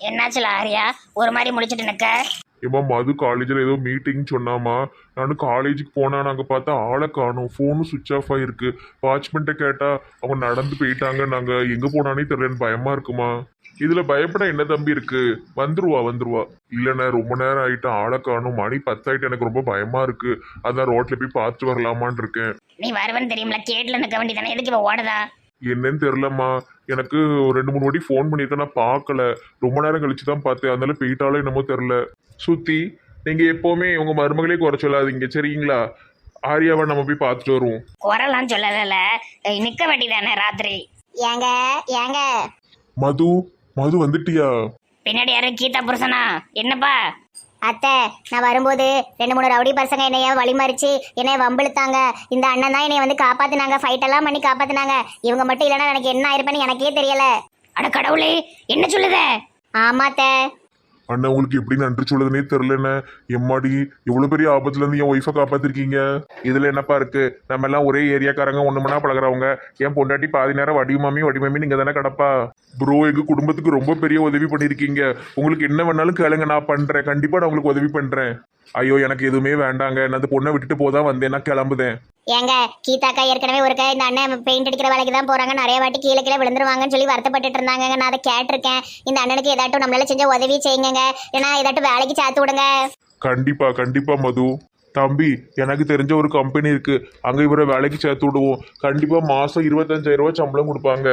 என்னாச்சுல ஆரியா ஒரு மாதிரி முடிச்சிட்டு நிக்க? ஏமா மது காலேஜில் ஏதோ மீட்டிங் சொன்னாமா. நானும் காலேஜுக்கு போனா நாங்கள் பார்த்தா ஆளை காணும், ஃபோனும் சுவிட்ச் ஆஃப் ஆகிருக்கு. வாட்ச்மெண்ட்டை கேட்டால் அவங்க நடந்து போயிட்டாங்க, நாங்கள் எங்கே போனானே தெரியலன்னு பயமா இருக்குமா. இதில் பயப்பட என்ன தம்பி இருக்கு, வந்துருவா வந்துருவா. இல்லைண்ணே ரொம்ப நேரம் ஆயிட்டு ஆளை காணும், மணி 10 ஆயிட்டு, எனக்கு ரொம்ப பயமா இருக்கு. அதான் ரோட்ல போய் பார்த்துட்டு வரலாமான்னு இருக்கேன். நீ வருவன்னு தெரியுமில, கேட்ல நிற்க வேண்டியதானே, எதுக்கு இப்போ ஓடுதா? என்னன்னு தெரிலம்மா, எனக்கு ஒரு 2 3 வாட்டி ஃபோன் பண்ணியிருக்கேன், நான் பார்க்கல. ரொம்ப நேரம் கழிச்சு தான் பார்த்தேன், அதனால போயிட்டாலும் என்னமோ தெரில. சுத்தி நீங்கள் எப்போவுமே உங்கள் மருமகளே குறை சொல்லாதீங்க சரிங்களா. ஆரியாவை நம்ம போய் பார்த்துட்டு வருவோம். குரலாம் சொல்லல, நிக்க வேண்டியதானே ராத்திரி. ஏங்க ஏங்க மது மது வந்துட்டியா? பின்னாடி யாரு, கீதா புருஷனா? என்னப்பா? அத்தை, நான் வரும்போது 2 3 ரவுடி பசங்க என்னைய வழிமறிச்சு என்னைய வம்பிழுத்தாங்க. இந்த அண்ணன் தான் என்னைய வந்து காப்பாத்தினாங்க, ஃபைட் எல்லாம் பண்ணி காப்பாத்தினாங்க. இவங்க மட்டும் இல்லைன்னா எனக்கு என்ன ஆயிருப்பேன்னு எனக்கே தெரியல. அட கடவுளே, என்ன சொல்லுத? ஆமாத்த. அண்ணா உங்களுக்கு எப்படி நன்றி சொல்லுதுன்னே தெரிலண்ணே. எம்மாடி இவ்வளோ பெரிய ஆபத்துலேருந்து என் ஒய்ஃபை காப்பாற்றிருக்கீங்க. இதில் என்னப்பா இருக்கு, நம்ம எல்லாம் ஒரே ஏரியாக்காரங்க, ஒன்று மணி பழகிறவங்க. என் பொண்டாட்டி பாதி நேரம் வடிவமாமி நீங்கள் தானே கிடப்பா. ப்ரோ எங்கள் குடும்பத்துக்கு ரொம்ப பெரிய உதவி பண்ணியிருக்கீங்க. உங்களுக்கு என்ன வேணாலும் கேளுங்க, நான் பண்ணுறேன். கண்டிப்பாக நான் உங்களுக்கு உதவி பண்ணுறேன். ஐயோ எனக்கு எதுவுமே வேண்டாங்க, நான் அந்த பொண்ணை விட்டுட்டு போதான் வந்தேன், நான் கிளம்புதேன். ஏங்க கீதாக்கா ஏற்கனவே ஒருக்கா இந்த அண்ணன் பெயிண்ட் அடிக்கிற வேலைக்கு தான் போறாங்க, நிறைய வாட்டி கீழே கீழே விழுந்துருவாங்கன்னு சொல்லி வருத்தப்பட்டு இருந்தாங்க. நான் அதை கேட்டிருக்கேன். இந்த அண்ணனுக்கு ஏதாட்டும் நம்மளால செஞ்ச உதவி செய்யுங்க, ஏன்னா ஏதாட்டும் வேலைக்கு சேர்த்து விடுங்க. கண்டிப்பா கண்டிப்பா மது. தம்பி எனக்கு தெரிஞ்ச ஒரு கம்பெனி இருக்கு, அங்க இவரை வேலைக்கு சேர்த்து விடுவோம். கண்டிப்பா மாசம் 25,000 ரூபாய் சம்பளம் கொடுப்பாங்க.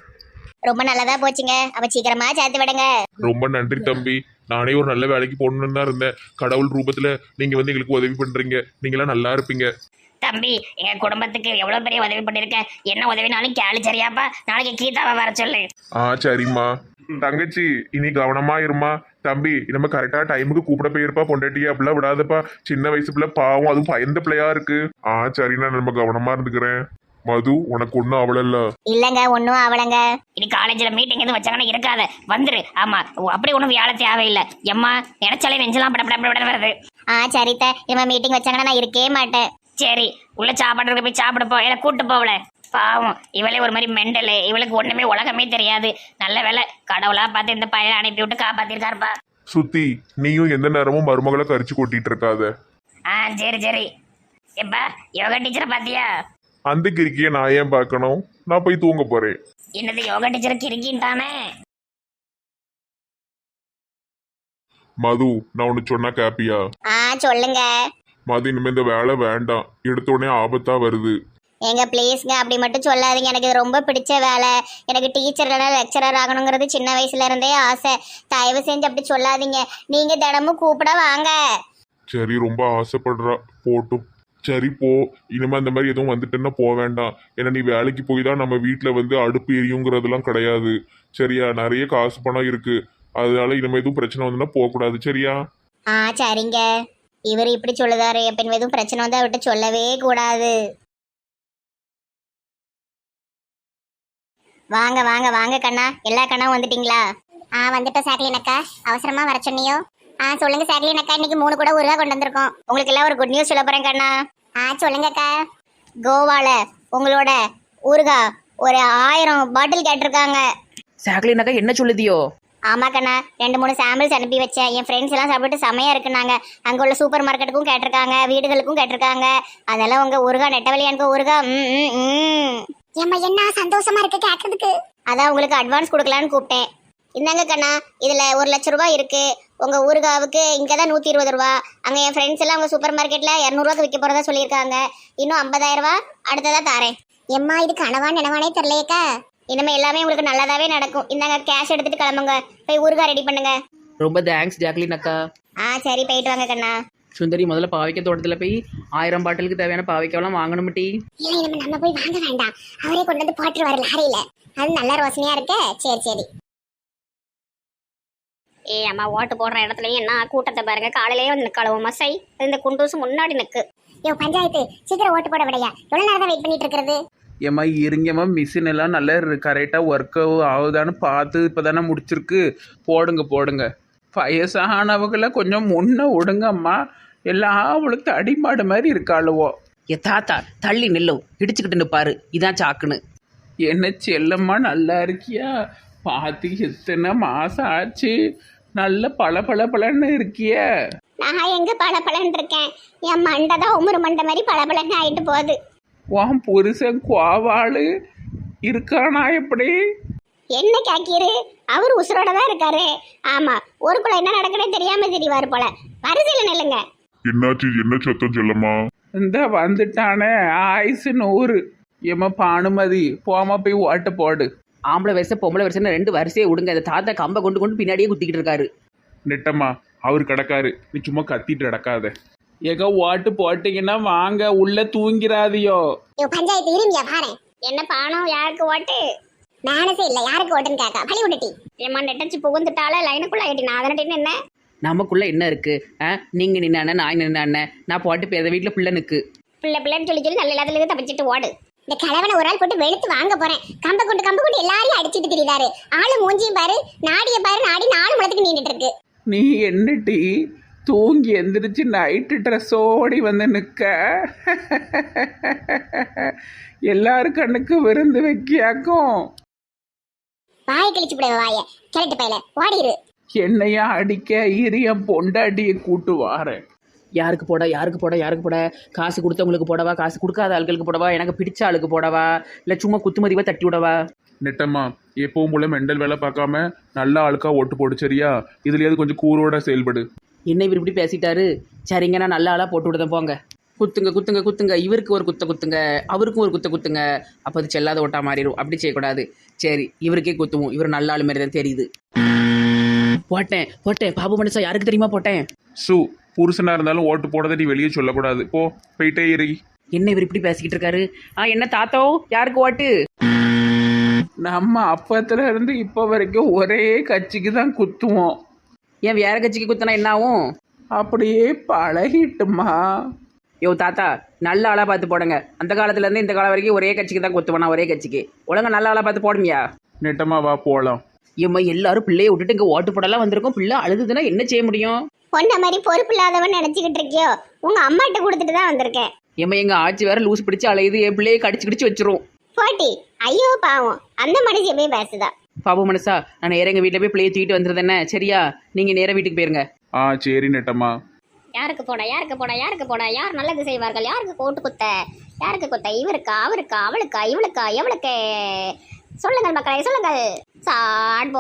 ரொம்ப நல்லதா போச்சுங்க, அப்ப சீக்கிரமா சேர்த்து விடுங்க. ரொம்ப நன்றி தம்பி. நானே ஒரு நல்ல வேலைக்கு போகணுன்னு தான் இருந்தேன். கடவுள் ரூபத்துல நீங்க வந்து எங்களுக்கு உதவி பண்றீங்க, நீங்களாம் நல்லா இருப்பீங்க. தம்பி, எங்க குடும்பத்துக்கு எவ்வளவு பெரிய உதவி பண்ணிருக்க, என்ன உதவினாலும் கேளு சரியாப்பா. நாளைக்கு கீதாவை வர சொல்லு. சரிம்மா. தங்கச்சி இனி கவனமா இருமா. தம்பி நம்ம கரெக்டா டைமுக்கு கூப்பிட போயிருப்பா பொண்டாட்டி, அப்படிலாம் விடாதப்பா. சின்ன வயசு பிள்ளை பாவம், அதுவும் பயந்த பிள்ளையா இருக்கு. சரிண்ணா, நம்ம கவனமா இருந்துக்கிறேன். மது உனக்கு ஒன்றும் அவளல்ல? இல்லங்க ஒன்னும் அவளங்க. இனி காலேஜ்ல மீட்டிங் எதுவும் வச்சாங்கன்னா இருக்காத, வந்துரு. ஆமா, அப்படி ஒன்றும் வேலை தேவையில்லை. எம்மா நினைச்சாலே நெஞ்சலாம் பட வருது. சரித்த, இனிமே மீட்டிங் வச்சாங்கன்னா நான் இருக்கவே மாட்டேன். சரி, உள்ள சாப்பாடு போய் சாப்பிட போ, இல்லை கூட்டு போவல. பாவம் இவளே ஒரு மாதிரி மெண்டலு, இவளுக்கு ஒண்ணுமே உலகமே தெரியாது. நல்ல வேலை கடவுளா பார்த்து இந்த பையனை அனுப்பி விட்டு காப்பாத்திருக்காருப்பா. சுத்தி நீயும் எந்த நேரமும் மருமகளை கரிச்சு கொட்டிட்டு இருக்காத. சரி சரி. எப்பா யோகா டீச்சரை பாத்தியா? அந்த கிரிக்கிய நான் ஏன் பார்க்கணும், நான் போய் தூங்க போறேன். என்னது யோகா டீச்சர் கிரிக்கின்ட்டானே? மது நான் ஒன்று சொன்னா கேப்பியா? சொல்லுங்க. மது இனிமே இந்த வேலை வேண்டாம், எடுத்த உடனே ஆபத்தா வருது. ஏங்க ப்ளீஸ்ங்க, அப்படி மட்டும் சொல்லாதீங்க. எனக்கு இது ரொம்ப பிடிச்ச வேலை. எனக்கு டீச்சர் இல்லைனா லெக்சரர் ஆகணுங்கிறது சின்ன வயசுல இருந்தே ஆசை. தயவு செஞ்சு அப்படி சொல்லாதீங்க. நீங்க தினமும் கூப்பிட வாங்க. சரி ரொம்ப ஆசைப்படுறா, போட்டும். சரி போ, இனிமே அந்த மாதிரி எதுவும் வந்துட்டுன்னா போக வேண்டாம். ஏன்னா நீ வேலைக்கு போய் தான் நம்ம வீட்டில் வந்து அடுப்பு எரியுங்கிறதுலாம் கிடையாது சரியா. நிறைய காசு பணம் இருக்கு, அதனால இனிமே எதுவும் பிரச்சனை வந்துன்னா போகக்கூடாது சரியா. சரிங்க. இவர் இப்படி சொல்லுதாரு, எப்ப எதுவும் பிரச்சனை வந்தா விட்டு சொல்லவே கூடாது. வாங்க வாங்க வாங்க கண்ணா, எல்லா கண்ணாவும் வந்துட்டீங்களா? வந்துட்டோம் சாக்லின் அக்கா. அவசரமா வர சொன்னியோ? சொல்லுங்க சாக்லின் அக்கா, இன்னைக்கு 3 கூட ஊறுகாய் கொண்டு வந்திருக்கோம். உங்களுக்கு எல்லாம் ஒரு குட் நியூஸ் சொல்ல போறேன் கண்ணா. சொல்லுங்க அக்கா. கோவால உங்களோட ஊறுகாய் ஒரு 1000 பாட்டில் கேட்டிருக்காங்க. சாக்லின் அக்கா என்ன சொல்லுதியோ? ஆமா கண்ணா, 2 3 சாம்பிள்ஸ் அனுப்பி வச்சேன். என் ஃப்ரெண்ட்ஸ் எல்லாம் சாப்பிட்டு செமையா இருக்குனாங்க. அங்க உள்ள சூப்பர் மார்க்கெட்டுக்கும் கேட்டிருக்காங்க, வீடுகளுக்கும் கேட்டிருக்காங்க. அதெல்லாம் உங்க ஊறுகாய் நெட்டவழியானுக்கு ஊறுகாய். ஏம்மா என்ன சந்தோஷமா இருக்கு கேட்கறதுக்கு. அதான் உங்களுக்கு அட்வான்ஸ் கொடுக்கலான்னு கூப்பிட்டேன். இந்தாங்க கண்ணா, இதுல 1,00,000 ரூபாய் இருக்கு. உங்க ஊறுகாவுக்கு இங்கதான் 120 ரூபா. அங்க என் ஃப்ரெண்ட்ஸ் எல்லாம் உங்க சூப்பர் மார்க்கெட்ல 200 ரூபாய்க்கு விற்க போறதா சொல்லியிருக்காங்க. இன்னும் 50,000 ரூபாய் அடுத்ததா தாரேன். எம்மா இது கனவா நினைவானே தெரியலையக்கா. இனிமே எல்லாமே உங்களுக்கு நல்லதாவே நடக்கும். இந்தாங்க கேஷ் எடுத்துட்டு கிளம்புங்க, போய் ஊறுகாய் ரெடி பண்ணுங்க. ரொம்ப தேங்க்ஸ் ஜாக்லின் அக்கா. சரி போயிட்டு வாங்க கண்ணா. சுந்தரி முதல்ல பாவைக்க தோட்டத்தில் போய் 1000 பாட்டிலுக்கு தேவையான பாவைக்கெல்லாம் வாங்கணும் டி. இல்லை நம்ம போய் வாங்க வேண்டாம், அவரே கொண்டு வந்து போட்டுருவாரு லாரியில. அது நல்ல ரோசனையா இருக்கு. சரி சரி. அம்மா ஓட்டு போடுற இடத்துலயும் என்ன கூட்டத்தை பாருங்க, காலையிலேயே வந்து நிற்கலவும் மசை இந்த குண்டூசு முன்னாடி நிற்கு. பஞ்சாயத்து சீக்கிரம் ஓட்டு போட விடையா? எவ்வளவு நேரம் தான் வெயிட் பண்ணிட்டு இருக்கிறது? ஏம்மா இருங்கம்மா, மிஷின் எல்லாம் நல்லா கரெக்டாக ஒர்க் ஆகுதான்னு பார்த்து இப்போ தானே முடிச்சிருக்கு. போடுங்க போடுங்க. வயசானவங்களை கொஞ்சம் முன்ன விடுங்கம்மா, எல்லாம் அவளுக்கு அடிமாடு மாதிரி இருக்காளுவோ. தாத்தா தள்ளி நில்லும், இடிச்சுக்கிட்டு நிற்பாரு, இதான் சாக்குன்னு. என்ன செல்லம்மா நல்லா இருக்கியா? பார்த்து எத்தனை மாசம் ஆச்சு, நல்ல பளபளன்னு இருக்கிய. நான் எங்க பளபளன்னு இருக்கேன், என் மண்டை தான் உமுறு மண்டை மாதிரி பளபளன்னு ஆயிட்டு போகுது. உன் புருஷன் கோவாளு இருக்கானா எப்படி? என்ன கேக்கீரு, அவர் உசுரோட தான் இருக்காரு. ஆமா, ஊருக்குள்ள என்ன நடக்குதுன்னு தெரியாம தெரியவாரு போல. வரிசையில நில்லுங்க. என்னாச்சு? என்ன சத்தம் செல்லம்மா? இந்த வந்துட்டானே ஆயுசு 100. ஏமா பானுமதி, போமா போய் ஓட்ட போடு. ஆம்பளை வரிசை பொம்பளை வரிசைன்னு 2 வரிசையை விடுங்க. இந்த தாத்தா கம்பை கொண்டு பின்னாடியே குத்திக்கிட்டு இருக்காரு. நெட்டம்மா, அவர் கிடக்காரு, நீ சும்மா கத்திட்டு கிடக்காத. ஏக ஓட்டு போட்டீங்கன்னா வாங்க, உள்ள தூங்கிறாதியோ. பஞ்சாயத்து இருமியா பாரு. என்ன பானம், யாருக்கு ஓட்டு? மேனசே இல்ல, யாருக்கு ஓட்டுன்னு கேட்கா பழி விட்டுட்டி. ஏமா நெட்டச்சு புகுந்துட்டால லைனுக்குள்ள ஆயிட்டி. நான் அதனட்டு என்ன நமக்குள்ள என்ன இருக்கு? நீங்க நின்ன நான் நின்ன, நான் போட்டு பேத வீட்டுல பிள்ளை நிற்கு. பிள்ளைன்னு சொல்லி நல்ல இல்லாதல தப்பிச்சிட்டு ஓடு. இந்த கிழவனை ஒரு ஆள் போட்டு வெளுத்து வாங்க போறேன். கம்ப கொண்டு எல்லாரையும் அடிச்சிட்டு திரியுதாரு. ஆளு மூஞ்சியும் பாரு, நாடிய பாரு, நாடி 4 முளத்துக்கு நீண்டுட்டு இருக்கு. நீ என்னட்டி தூங்கி எந்திரிச்சு நைட்டு ட்ரெஸ்ஸோடி வந்து நிற்க? எல்லாரும் கண்ணுக்கு விருந்து வைக்கியாக்கும். வாயை கழிச்சு விட, வாய கிளட்டு பையில ஓடிரு. என்னையா அடிக்க இரியம் பொண்டாட்டியை கூட்டு வாரேன். யாருக்கு போட? காசு கொடுத்தவங்களுக்கு போடவா, காசு கொடுக்காத ஆட்களுக்கு போடவா, எனக்கு பிடிச்ச ஆளுக்கு போடவா, இல்லை சும்மா குத்துமதிவா தட்டி விடவா? நெட்டம்மா, எப்பவும் போல மெண்டல் வேலை பார்க்காம நல்ல ஆளுக்கா ஓட்டு போடு, சரியா? இதுலயாவது கொஞ்சம் கூரோட செயல்படு. என்ன இவர் இப்படி பேசிட்டாரு? சரிங்க, நான் நல்ல ஆளாக போட்டு விடுதேன், போங்க. குத்துங்க. இவருக்கு ஒரு குத்துங்க, அவருக்கும் ஒரு குத்துங்க. அப்போ அது செல்லாத ஓட்டா மாறிடும். அப்படி செய்யக்கூடாது. சரி, இவருக்கே குத்துவோம். இவர் நல்ல ஆளு மாதிரி தான் தெரியுது. போட்டேன். பாபு மனுஷா யாருக்கு தெரியுமா போட்டேன்? புருஷனா இருந்தாலும் ஓட்டு போடதை நீ வெளியே சொல்லக்கூடாது. போயிட்டே இரு. என்ன இவர் இப்படி பேசிக்கிட்டு இருக்காரு? என்ன தாத்தோ, யாருக்கு ஓட்டு? நம்ம அப்பத்துல இருந்து இப்போ வரைக்கும் ஒரே கட்சிக்கு தான் குத்துவோம். ஏன் வேற கட்சிக்கு குத்தினா என்ன ஆகும்? அப்படியே பழகிட்டுமா. யோ தாத்தா, நல்ல ஆளாக பார்த்து போடுங்க. அந்த காலத்துலேருந்து இந்த காலம் வரைக்கும் ஒரே கட்சிக்கு தான் குத்துவேனா, ஒரே கட்சிக்கு. ஒழுங்கா நல்ல ஆளாக பார்த்து போடுமியா? நெட்டமா வா போகலாம். ஏம்மா, எல்லாரும் பிள்ளையை விட்டுட்டு இங்கே ஓட்டு போடலாம் வந்திருக்கோம். பிள்ளை அழுதுதுன்னா என்ன செய்ய முடியும்? பொண்ண மாதிரி பொறுப்பு இல்லாதவன் நினைச்சுக்கிட்டு இருக்கியோ? உங்க அம்மாட்ட கொடுத்துட்டு தான் வந்திருக்கேன். ஏம்மா, எங்க ஆட்சி வேற லூஸ் பிடிச்சு அலையுது. என் பிள்ளையை கடிச்சு வச்சிரும். போட்டி, ஐயோ பாவம், அந்த மனுஷன் போய் பேசுதா. பாபு மனசா, நான் நேரம் எங்கள் வீட்டில் போய் பிள்ளையை தூக்கிட்டு வந்துருது என்ன, சரியா? நீங்கள் நேராக வீட்டுக்கு போயிருங்க. சரி நெட்டம்மா. யாருக்கு போட? யார் நல்லது செய்வார்கள்? யாருக்கு ஓட்டு குத்த? யாருக்கு குத்த? இவருக்கா, அவருக்கா, அவளுக்கா, இவளுக்கா, எவளுக்கு? சொல்லுங்கள் மக்களே, சொல்லுங்கள். சாட்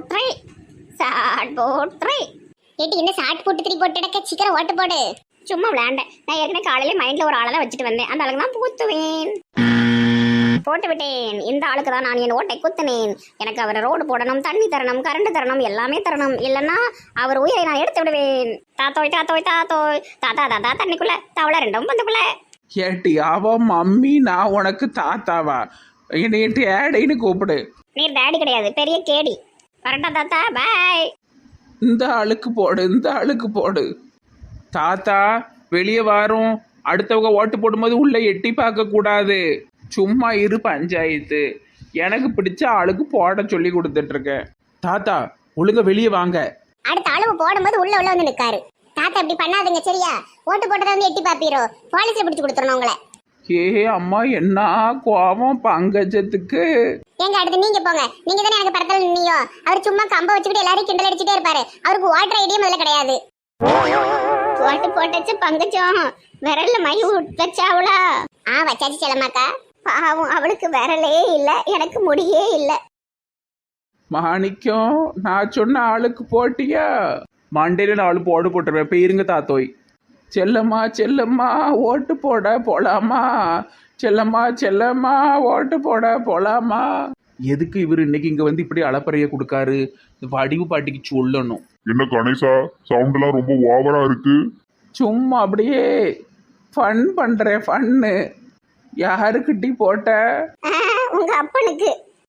போட்ரை. ஏட்டி, என்ன சாட் போட்டு 3 போட்டு சீக்கிரம் ஓட்டு போடு. சும்மா விளையாண்டேன். நான் ஏற்கனவே காலையில மைண்ட்ல ஒரு ஆளை தான் வச்சுட்டு வந்தேன். அந்த ஆளுக்கு தான் குத்துவேன். போட்டு விட்டேன். இந்த ஆளுக்கு தான் நான் என் ஓட்டை குத்தினேன். எனக்கு அவர் ரோடு போடணும், தண்ணி தரணும், கரண்ட் தரணும், எல்லாமே தரணும். இல்லைன்னா அவர் உயிரை நான் எடுத்து விடுவேன். தாத்தோய் தாத்தா தண்ணிக்குள்ள தவளை 2 பந்துக்குள்ள. ஏட்டி, அவ மம்மி, நான் உனக்கு தாத்தாவா? என்னைய டேடின்னு கூப்பிடு. நீர் டேடி கிடையாது, பெரிய கேடி. வரட்டா தாத்தா, பாய். இந்த ஆளுக்கு போடு. தாத்தா வெளியே வாரும். அடுத்தவங்க ஓட்டு போடும்போது உள்ள எட்டி பார்க்க கூடாது. சும்மா இரு பஞ்சாயத்து. எனக்கு பிடிச்ச ஆளுக்கு போட சொல்லி கொடுத்துட்டு இருக்கேன். தாத்தா ஒழுங்க வெளியே வாங்க. அடுத்த ஆளு போடும்போது உள்ள வந்து நிக்காரு. தாத்தா இப்படி பண்ணாதுங்க, சரியா? ஓட்டு போட்டதை வந்து எட்டி பாப்பீரோ? போலீஸ்ல பிடிச்சு கொடுத்துறணும் உங்களை. அம்மா, என்ன கோபம் பங்கஜத்துக்கு. எங்க அடுத்து நீங்க போங்க. நீங்க தானே எனக்கு பரத்தல் நின்னியோ. அவர் சும்மா கம்ப வச்சுக்கிட்டு எல்லாரையும் கிண்டல் அடிச்சுட்டே இருப்பாரு. அவருக்கு ஓட்டர் ஐடியா முதல்ல கிடையாது. ஓட்டு போட்டச்சு பங்கஜம் விரல்ல மை வச்சாவளா? வச்சாச்சு செல்லமாக்கா. பாவம், அவளுக்கு விரலே இல்ல, எனக்கு முடியே இல்ல. மாணிக்கம், நான் சொன்ன ஆளுக்கு போட்டியா? மண்டையில 4 போட்டுருவேன். போயிருங்க தாத்தோய். செல்லம்மா ஓட்டு போட போலாமா? செல்லம்மா ஓட்டு போட போலாமா? எதுக்கு இவர் இன்னைக்கு இங்க வந்து இப்படி அளப்பறைய கொடுக்காரு? வடிவு பாட்டிக்கு சொல்லணும். என்ன கணேசா, சவுண்ட் எல்லாம் ரொம்ப ஓவரா இருக்கு. சும்மா அப்படியே ஃபன் பண்றேன், ஃபன்னு. யாருக்கிட்டி போட்ட? உங்க அப்பனுக்கு.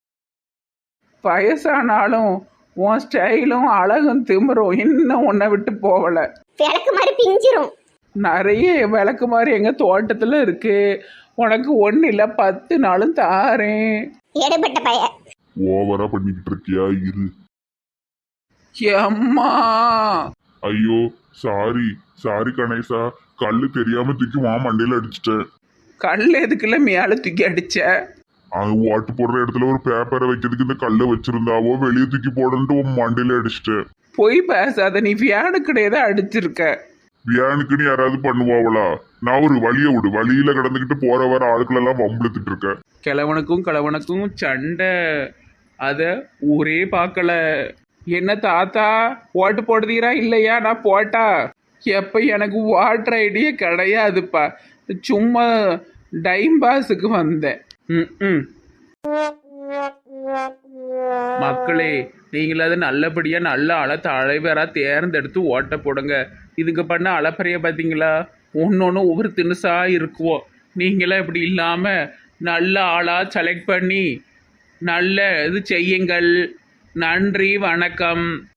வயசானாலும் உன் ஸ்டைலும் அழகும் திமிரும் இன்னும் உன்னை விட்டு போகல. விளக்கு மாதிரி பிஞ்சிரும். நிறைய விளக்கு மாதிரி எங்க தோட்டத்துல இருக்கு. உனக்கு 1 இல்ல 10 நாளும் தாரேன். ஏடுபட்ட பைய. ஓவரா பண்ணிக்கிட்டு இருக்கியா? இரு. அம்மா, ஐயோ, சாரி கணேசா, கல்லு தெரியாம தூக்கி மண்டையில அடிச்சிட்டேன். கல் எதுக்குள்ள மேல தூக்கி அடிச்ச? அங்க ஓட்டு போடுற இடத்துல ஒரு பேப்பரை வைக்கிறதுக்கு இந்த கல்லை வச்சிருந்தாவோ வெளியே தூக்கி போடன்ட்டு உன் மண்டையில அடிச்சிட்டேன். போய் பேசாத, நீ வியானுக்கிட்டே தான் அடிச்சிருக்க. வியானுக்குன்னு யாராவது பண்ணுவாங்களா? நான் ஒரு வழியை விடு, வழியில கிடந்துக்கிட்டு போற வர ஆட்களெல்லாம் வம்புழுத்துட்டு இருக்கேன். கிழவனுக்கும் சண்டை, அத ஊரே பார்க்கல. என்ன தாத்தா ஓட்டு போடுதீரா இல்லையா? நான் போட்டா எப்ப எனக்கு வாட்டர் ஐடியே கிடையாதுப்பா, சும்மா டைம் பாஸுக்கு வந்தேன். மக்களே, நீங்களாவது நல்லபடியா நல்ல தலைவரா தேர்ந்தெடுத்து ஓட்ட போடுங்க. இதுக்கு பண்ண அலப்பறைய பார்த்தீங்களா? ஒன்னொன்னு ஒவ்வொரு திணுசா இருக்குவோம். நீங்களாம் இப்படி இல்லாம நல்ல ஆளா செலக்ட் பண்ணி நல்ல இது செய்யுங்கள். நன்றி, வணக்கம்.